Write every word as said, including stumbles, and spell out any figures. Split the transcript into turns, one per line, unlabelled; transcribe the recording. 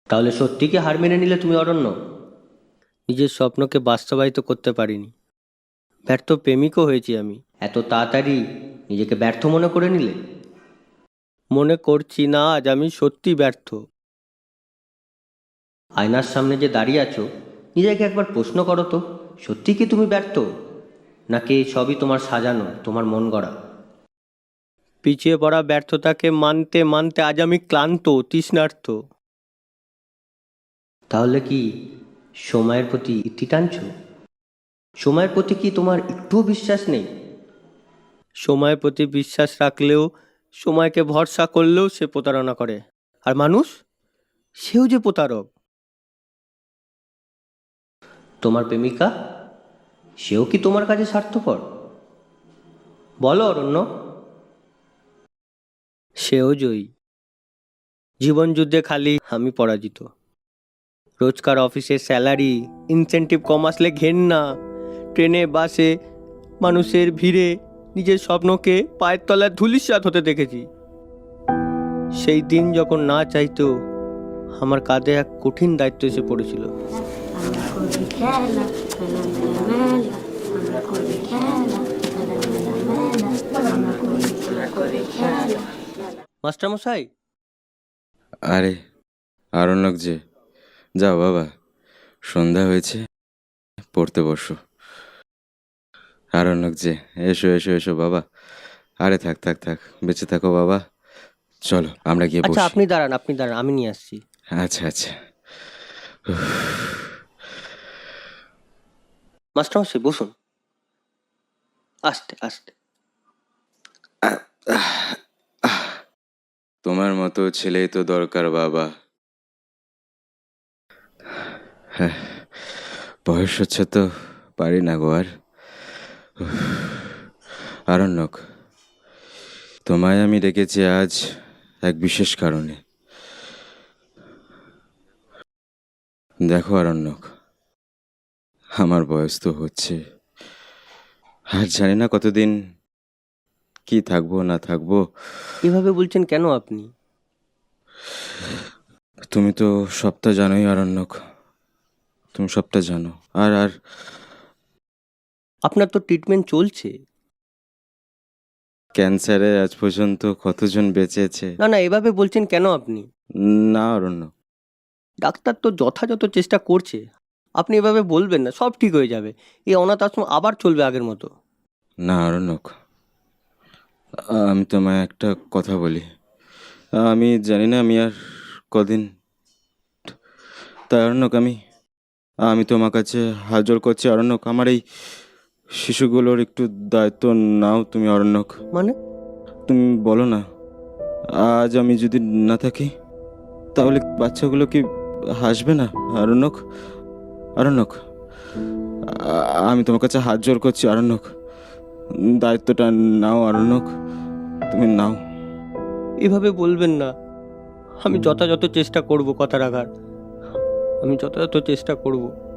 তাহলে সত্যি কি হার মেনে নিলে তুমি অরণ্য? নিজের স্বপ্নকে বাস্তবায়িত করতে পারিনি, ব্যর্থ প্রেমিকও হয়েছি আমি। এত তাড়াতাড়ি নিজেকে ব্যর্থ মনে করে নিলে? মনে করছি না, আজ আমি সত্যি ব্যর্থ। আয়নার সামনে যে দাঁড়িয়ে আছো, নিজেকে একবার প্রশ্ন করো তো, সত্যি কি তুমি ব্যর্থ, নাকি এই সবই তোমার সাজানো, তোমার মন গড়া? পিছিয়ে পড়া ব্যর্থতাকে মানতে মানতে আজ আমি ক্লান্ত, তৃষ্ণার্ত। তাহলে কি সময়ের প্রতি ইতি টানছো? সময়ের প্রতি কি তোমার একটুও বিশ্বাস নেই? সময়ের প্রতি বিশ্বাস রাখলেও, সময়কে ভরসা করলেও সে প্রতারণা করে। আর মানুষ, সেও যে প্রতারক। তোমার প্রেমিকা, সেও কি তোমার কাছে স্বার্থপর? বলো অরণ্য। সেও জয়ী। জীবন যুদ্ধে খালি আমি পরাজিত। রোজকার অফিসের স্যালারি, ইনসেন্টিভ কম আসলে ঘেন্না, ট্রেনে বাসে মানুষের ভিড়ে নিজের স্বপ্নকে পায়ের তলায় ধূলিসাৎ হতে দেখেছি। সেই দিন যখন না চাইতো আমার কাঁধে এক কঠিন দায়িত্ব এসে পড়েছিল। মাস্টারমশাই।
আরে আরণ্যক যে, যাও বাবা, সন্ধ্যা হয়েছে, পড়তে বসো। আরণ্যক যে, এসো এসো এসো বাবা। আরে থাক থাক থাক, বেঁচে থাকো বাবা। চলো আমরা গিয়ে
আচ্ছা
বসি।
আপনি দাঁড়ান, আপনি দাঁড়ান, আমি নিয়ে আসছি।
আচ্ছা আচ্ছা।
মাস্টারমশাই বসুন, আস্তে আস্তে।
তোমার মতো ছেলেই তো দরকার বাবা। হ্যাঁ, বয়স হচ্ছে তো, পারি না গো আর। আরণ্যক, তোমায় আমি ডেকেছি আজ এক বিশেষ কারণে। দেখো আরণ্যক, আমার বয়স তো হচ্ছে, আর জানি না কতদিন কি থাকবো না থাকবো।
এভাবে বলছেন কেন আপনি?
তুমি তো সবটা জানোই আরণ্যক, তুমি সবটা জানো। আর আর
আপনার তো ট্রিটমেন্ট চলছে।
ক্যান্সারে আজ পর্যন্ত কতজন বেঁচেছে।
না না, এভাবে বলছেন কেন আপনি?
না অরণ্য,
ডাক্তার তো যথাযথ চেষ্টা করছে। আপনি এভাবে বলবেন না, সব ঠিক হয়ে যাবে। এই অনাথ আশ্রম আবার চলবে আগের মতো।
না অরণ্যক, আমি তোমায় একটা কথা বলি। আমি জানি না আমি আর কদিন, তাই অরণ্যক আমি আমি তোমার কাছে হাজর করছি অরণ্যক, আমার এই শিশুগুলোর একটু দায়িত্ব নাও তুমি অরণ্যক।
মানে?
তুমি বলো না, আজ আমি যদি না থাকি তাহলে বাচ্চাগুলো কি হাসবে না? আরণ্যক, আরণ্যক, আ- আমি তোমার কাছে হাত জোর করছি আরণ্যক, দায়িত্বটা নাও আরণ্যক, তুমি নাও।
এভাবে বলবেন না। আমি যথাযথ চেষ্টা করব কথা রাখার। আমি যথাযথ চেষ্টা করব।